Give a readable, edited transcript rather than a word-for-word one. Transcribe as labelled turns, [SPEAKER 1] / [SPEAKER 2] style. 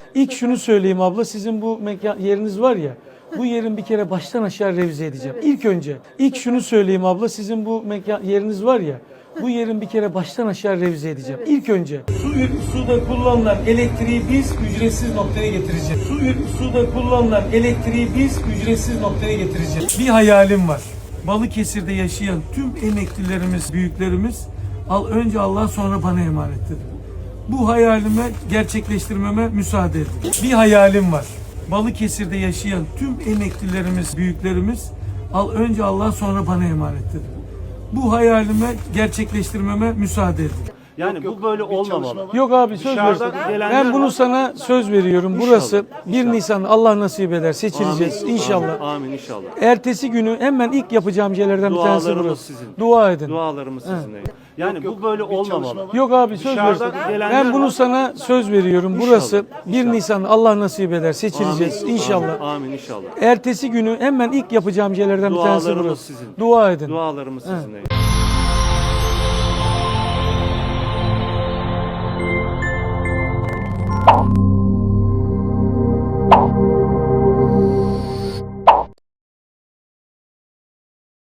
[SPEAKER 1] İlk şunu söyleyeyim abla, sizin bu mekan yeriniz var ya, bu yerin bir kere baştan aşağı revize edeceğim. İlk şunu söyleyeyim abla, sizin bu mekan yeriniz var ya, bu yerin bir kere baştan aşağı revize edeceğim. İlk önce suda kullanılan elektriği biz ücretsiz noktaya getireceğiz. Suda kullanılan elektriği biz ücretsiz noktaya getireceğiz. Bir hayalim var. Balıkesir'de yaşayan tüm emeklilerimiz, büyüklerimiz önce Allah sonra bana emanet dedi. Bu hayalime gerçekleştirmeme müsaade edin. Bir hayalim var. Balıkesir'de yaşayan tüm emeklilerimiz, büyüklerimiz önce Allah sonra bana emanet dedi. Bu hayalime gerçekleştirmeme müsaade edin.
[SPEAKER 2] Yani bu böyle olmamalı.
[SPEAKER 1] Yok abi, söz
[SPEAKER 2] Dışarıdan
[SPEAKER 1] veriyorum.
[SPEAKER 2] gelenler
[SPEAKER 1] Ben bunu
[SPEAKER 2] var.
[SPEAKER 1] sana söz veriyorum. Burası 1 Nisan, Allah nasip eder, seçileceğiz inşallah.
[SPEAKER 2] Amin inşallah.
[SPEAKER 1] Ertesi günü hemen ilk yapacağım şeylerden bir tanesi
[SPEAKER 2] Dualarımız
[SPEAKER 1] burası.
[SPEAKER 2] sizin.
[SPEAKER 1] Dua edin.
[SPEAKER 2] Dualarımız sizinle. Yani bu böyle olmamalı.
[SPEAKER 1] Yok abi, söz
[SPEAKER 2] Dışarıdan
[SPEAKER 1] veriyorum.
[SPEAKER 2] gelenler
[SPEAKER 1] Ben bunu
[SPEAKER 2] var.
[SPEAKER 1] sana söz veriyorum. Burası 1 Nisan, Allah nasip eder, seçileceğiz inşallah.
[SPEAKER 2] Amin inşallah.
[SPEAKER 1] Ertesi günü hemen ilk yapacağım şeylerden bir tanesi
[SPEAKER 2] Dualarımız
[SPEAKER 1] burası.
[SPEAKER 2] sizin.
[SPEAKER 1] Dua edin.
[SPEAKER 2] Dualarımız sizinle.